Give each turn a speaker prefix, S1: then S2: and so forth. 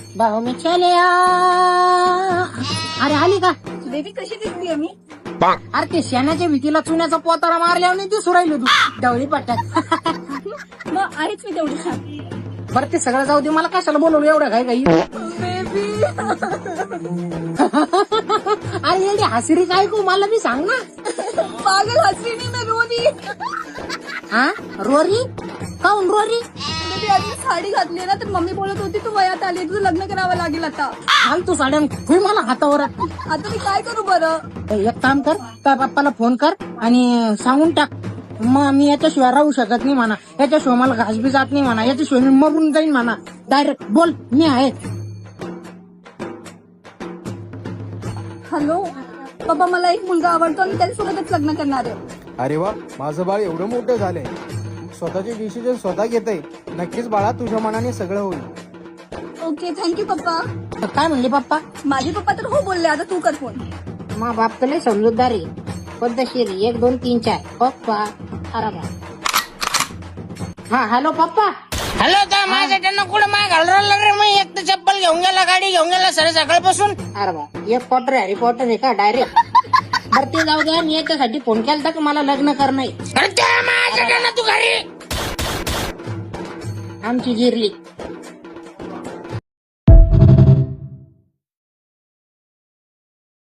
S1: भाऊ मी चले अरे आली का
S2: बेबी कशी दिसतीये मी?
S1: अरे ते शेणाच्या भीतीला चुन्याचा पोतारा मारल्यावर नाही दिसू राहिलो तू डवळी पट्ट्यात.
S2: मग आहेच मी तेवढी छान.
S1: बरं ते सगळं जाऊ दे, मला कशाला बोलवलं एवढं काय काही.
S2: बेबी
S1: अरे एवढी हसरी काय को मला बी सांग ना.
S2: पागल हसरी नाही मी रोनी.
S1: हा रोरी काऊन रोरी?
S2: बेबी आज मी साडी घातली ना तर मम्मी बोलत होती तू वयात आली तुझं लग्न करावं लागेल आता.
S1: फालतू साड्या होई मला हातावर.
S2: आता मी काय करू बरं?
S1: एक काम कर, त्या बाप्पाला फोन कर आणि सांगून टाक मग मी याच्याशिवाय राहू शकत नाही म्हणा, याच्याशिवाय मला घास बी जात नाही म्हणा, याच्याशिवाय मी मरून जाईन म्हणा. डायरेक्ट बोल मी आहे.
S2: हॅलो बाबा, मला एक मुलगा आवडतो आणि त्याच्यासोबतच लग्न करणार आहे.
S3: अरे वा, माझं बाळ एवढं मोठं झालंय, स्वतःचे डिसिजन स्वतः घेतय. नक्कीच बाळा, तुझ्या मनाने सगळं होईल.
S2: ओके, थँक्यू पप्पा.
S1: काय म्हणले पप्पा?
S2: माझे पप्पा तर हो बोलले, आता तू कर फोन.
S1: मा बाप तर लय समजूतदारी पद्धतशीर 1 2 3 4 पप्पा. अरे बा. हा हॅलो पप्पा. हॅलो काय माझ्या त्यांना कुठं माय घालून राहिला रे? मी एक तर चप्पल घेऊन गेला, गाडी घेऊन गेला सर सकाळपासून. अरे बा, एक क्वार्टर हॅरी पॉटर आहे का डायरेक्ट? बरं ते जाऊ द्या, मी याच्यासाठी फोन केला तर मला लग्न करणं आहे. तू घरी आमची जिरली.